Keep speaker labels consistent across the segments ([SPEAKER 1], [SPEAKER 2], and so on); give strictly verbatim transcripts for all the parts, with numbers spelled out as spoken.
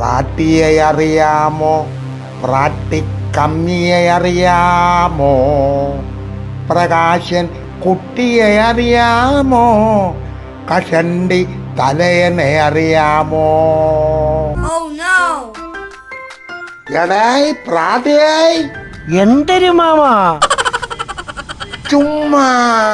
[SPEAKER 1] പ്രാട്ടിയെ അറിയാമോ? പ്രാട്ടിക്കമ്മിയെ അറിയാമോ? പ്രകാശൻ കുട്ടിയെ അറിയാമോ? കഷണ്ടി തലയനെ അറിയാമോ? എടായി പ്രാട്ടിയായി
[SPEAKER 2] എന്തൊരു മാമാ
[SPEAKER 1] ചുമ്മാ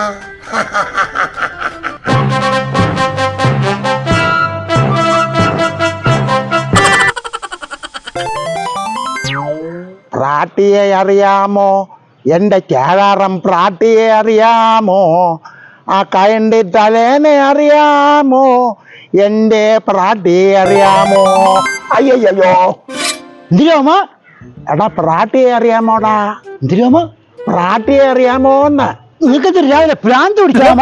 [SPEAKER 1] പ്രാട്ടിയെ അറിയാമോ? എന്റെ കേഴാറം പ്രാട്ടിയെ അറിയാമോ? ആ കയണ്ടി തലേനെ അറിയാമോ? എന്റെ പ്രാട്ടിയെ അറിയാമോ? അയ്യോ
[SPEAKER 2] എന്തിനാമ
[SPEAKER 1] എടാ പ്രാട്ടിയെ അറിയാമോടാ?
[SPEAKER 2] എന്തിനാമ
[SPEAKER 1] പ്രാട്ടിയെ അറിയാമോന്ന്?
[SPEAKER 2] നിനക്ക് രാവിലെ ഭ്രാന്ത് പിടിക്കാമ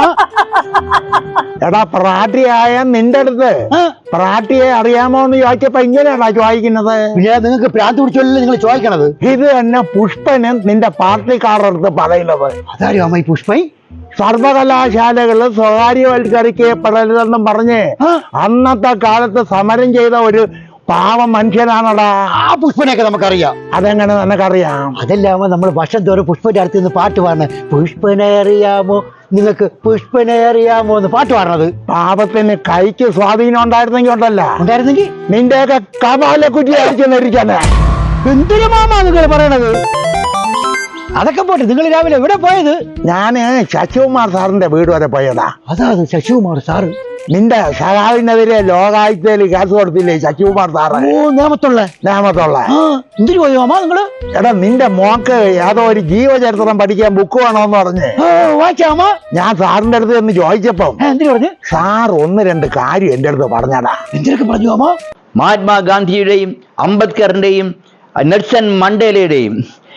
[SPEAKER 1] എടാ പ്രാട്ടിയായ നിന്റെ അടുത്ത് പ്രാട്ടിയെ അറിയാമോന്ന് ചോദിച്ചപ്പോ ഇങ്ങനെയാണോ ചോദിക്കുന്നത്?
[SPEAKER 2] പിന്നെ നിങ്ങൾക്ക് ഭ്രാന്ത് പിടിച്ചല്ലേ നിങ്ങൾ ചോദിക്കണത്?
[SPEAKER 1] ഇത് തന്നെ പുഷ്പന് നിന്റെ പാർട്ടിക്കാരുടെ അടുത്ത് പറയുന്നത്.
[SPEAKER 2] അതാരും അമ്മ ഈ പുഷ്പൈ
[SPEAKER 1] സർവകലാശാലകള് സ്വകാര്യവൽക്കരിക്കപ്പെടരുതെന്നും പറഞ്ഞ് അന്നത്തെ കാലത്ത് സമരം ചെയ്ത ഒരു പാവ മനുഷ്യനാണടാ.
[SPEAKER 2] ആ പുഷ്പനെയൊക്കെ നമുക്കറിയാം.
[SPEAKER 1] അതെങ്ങനെ നിനക്കറിയാം?
[SPEAKER 2] അതല്ലാമോ നമ്മൾ വർഷം തോറും പുഷ്പന്റെ അടുത്ത് നിന്ന് പാട്ട് പാടുന്നത്. പുഷ്പനെ അറിയാമോ നിങ്ങൾക്ക്, പുഷ്പനെ അറിയാമോ എന്ന് പാട്ട് പാടുന്നത്.
[SPEAKER 1] പാപത്തിന് കൈക്ക് സ്വാധീനം ഉണ്ടായിരുന്നെങ്കിൽ ഉണ്ടല്ല
[SPEAKER 2] ഉണ്ടായിരുന്നെങ്കിൽ
[SPEAKER 1] നിന്റെയൊക്കെ കപാലെ കുറ്റി അടിച്ചു ധരിക്കാന്.
[SPEAKER 2] എന്തൊരു മാമാ നിങ്ങൾ പറയണത്? അതൊക്കെ പോട്ടെ, നിങ്ങൾ രാവിലെ എവിടെ പോയത്?
[SPEAKER 1] ഞാന് ശശികുമാർ സാറിന്റെ വീട് വരെ പോയതാ.
[SPEAKER 2] അതാ ശശികുമാർ സാറ്
[SPEAKER 1] നിന്റെ സഹാവിനെതിരെ ലോകായുക്തയിൽ കേസ് കൊടുത്തില്ലേ ശശികുമാർ സാറ്?
[SPEAKER 2] ഓ നേമത്തുള്ള
[SPEAKER 1] നേമത്തുള്ള
[SPEAKER 2] എന്തിനു പോയി മാമാ നിങ്ങള്?
[SPEAKER 1] എടാ നിന്റെ മോക്ക് ഏതോ ഒരു ജീവചരിത്രം പഠിക്കാൻ ബുക്ക് വേണോന്ന് പറഞ്ഞ്
[SPEAKER 2] വായിച്ചാമാ.
[SPEAKER 1] ഞാൻ സാറിന്റെ അടുത്ത് എന്ന് ചോദിച്ചപ്പം
[SPEAKER 2] എന്തിനു പറഞ്ഞു?
[SPEAKER 1] സാർ ഒന്ന് രണ്ട് കാര്യം എന്റെ അടുത്ത് പറഞ്ഞടാ.
[SPEAKER 2] എന്തിനൊക്കെ പറഞ്ഞു മാമാ?
[SPEAKER 3] മഹാത്മാഗാന്ധിയുടെയും അംബേദ്കറിന്റെയും നെൽസൺ മണ്ടേലയുടെയും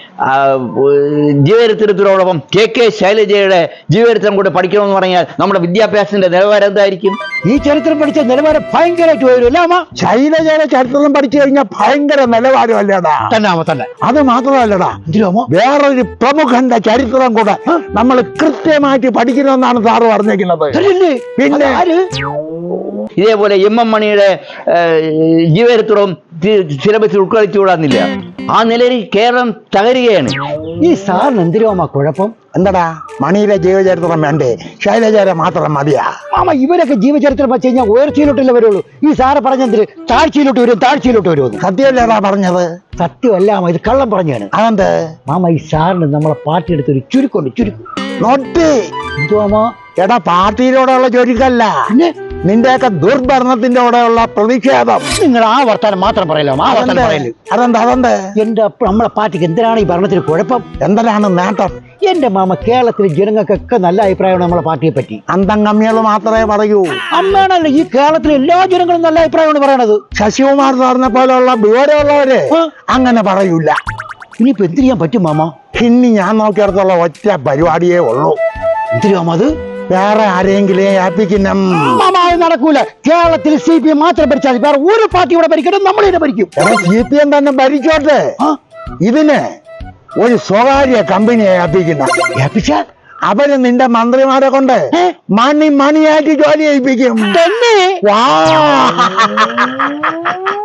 [SPEAKER 3] ജീവചരിത്രത്തിനോടൊപ്പം കെ കെ ശൈലജയുടെ ജീവചരിത്രം കൂടെ പഠിക്കണമെന്ന് പറഞ്ഞാൽ നമ്മുടെ വിദ്യാഭ്യാസത്തിന്റെ നിലവാരം എന്തായിരിക്കും?
[SPEAKER 2] ഈ ചരിത്രം പഠിച്ച നിലവാരം ഭയങ്കരമായിട്ട് വരും.
[SPEAKER 1] ശൈലജയുടെ ചരിത്രം പഠിച്ചു കഴിഞ്ഞാൽ ഭയങ്കര നിലവാരമല്ലേടാ?
[SPEAKER 2] തന്നെ തന്നെ.
[SPEAKER 1] അത് മാത്രമല്ലടാ, വേറൊരു പ്രമുഖന്റെ ചരിത്രം കൂടെ നമ്മൾ കൃത്യമായിട്ട് പഠിക്കണമെന്നാണ് സാറ് പറഞ്ഞിരിക്കുന്നത്. പിന്നെ
[SPEAKER 3] ഇതേപോലെ എം എം മണിയുടെ ജീവചരിത്രവും സിലബസിൽ ഉൾക്കൊള്ളിച്ചുകൂടാന്നില്ല. ആ നിലയിൽ കേരളം തകരുകയാണ്.
[SPEAKER 2] ഈ സാറിന് എന്തിനാ കുഴപ്പം?
[SPEAKER 1] എന്താടാ മണിയുടെ ജീവചരിത്രം വേണ്ടേ? ശൈലജയുടെ മാത്രം മതിയാ?
[SPEAKER 2] മാമ ഇവരൊക്കെ ജീവചരിത്രം വെച്ച് കഴിഞ്ഞാൽ ഉയർച്ചയിലോട്ടല്ലേ വരുള്ളൂ. ഈ സാറ് പറഞ്ഞെന്തിന് താഴ്ചയിലോട്ട് വരും താഴ്ചയിലോട്ട് വരുമെന്ന്?
[SPEAKER 1] സത്യമല്ലേടാ പറഞ്ഞത്?
[SPEAKER 2] സത്യമല്ല മാമ, ഇത് കള്ളം പറഞ്ഞാണ്.
[SPEAKER 1] അതെന്ത്?
[SPEAKER 2] മാമ ഈ സാറിന് നമ്മളെ പാർട്ടി എടുത്തൊരു ചുരുക്കുണ്ട്, ചുരുക്കും.
[SPEAKER 1] നോട്ടി
[SPEAKER 2] എന്തുവാ?
[SPEAKER 1] എടാ പാർട്ടിയിലൂടെയുള്ള ചുരുക്കല്ല, നിന്റെയൊക്കെ ദുർഭരണത്തിന്റെ കൂടെയുള്ള പ്രതിഷേധം.
[SPEAKER 2] നിങ്ങൾ ആ വർത്താനം മാത്രം പറയല്ലോ. ആ വർത്താനം പറയല്
[SPEAKER 1] അതെന്ത്? അതെന്ത്?
[SPEAKER 2] എന്റെ നമ്മളെ പാർട്ടിക്ക് എന്തിനാണ് ഈ ഭരണത്തിന് കുഴപ്പം?
[SPEAKER 1] എന്തിനാണ് നേട്ടം?
[SPEAKER 2] എന്റെ മാമ കേരളത്തിലെ ജനങ്ങൾക്കൊക്കെ നല്ല അഭിപ്രായമാണ് നമ്മളെ പാർട്ടിയെ പറ്റി.
[SPEAKER 1] അന്തം കമ്മികൾ മാത്രമേ പറയൂ.
[SPEAKER 2] അമ്മയാണല്ലോ ഈ കേരളത്തിലെ എല്ലാ ജനങ്ങളും നല്ല അഭിപ്രായമാണ് പറയണത്.
[SPEAKER 1] ശശികുമാർ സാറിനെ പോലെയുള്ള വിവരമുള്ളവര് അങ്ങനെ പറയൂല.
[SPEAKER 2] ഇനിയിപ്പോ എന്ത് ചെയ്യാൻ പറ്റും മാമ?
[SPEAKER 1] ഇനി ഞാൻ നോക്കിയിടത്തുള്ള ഒറ്റ പരിപാടിയേ ഉള്ളൂ.
[SPEAKER 2] എന്തിനാ അത്?
[SPEAKER 1] വേറെ ആരെങ്കിലും ഏൽപ്പിക്കുന്ന
[SPEAKER 2] നടക്കൂല. കേരളത്തിൽ സി പി എം മാത്രം ഭരിച്ചാൽ വേറെ ഒരു പാർട്ടി ഇവിടെ ഭരിക്കണം, നമ്മളിനെ ഭരിക്കും.
[SPEAKER 1] സി പി എം തന്നെ ഭരിച്ചോട്ടെ. ഇതിന് ഒരു സ്വകാര്യ കമ്പനിയെ ഏൽപ്പിക്കുന്ന
[SPEAKER 2] ഏൽപ്പിച്ചാൽ
[SPEAKER 1] അവര് നിന്റെ മന്ത്രിമാരെ കൊണ്ട് മണി മണിയായിട്ട് ജോലി ഏൽപ്പിക്കും.
[SPEAKER 2] തന്നെ
[SPEAKER 1] വാ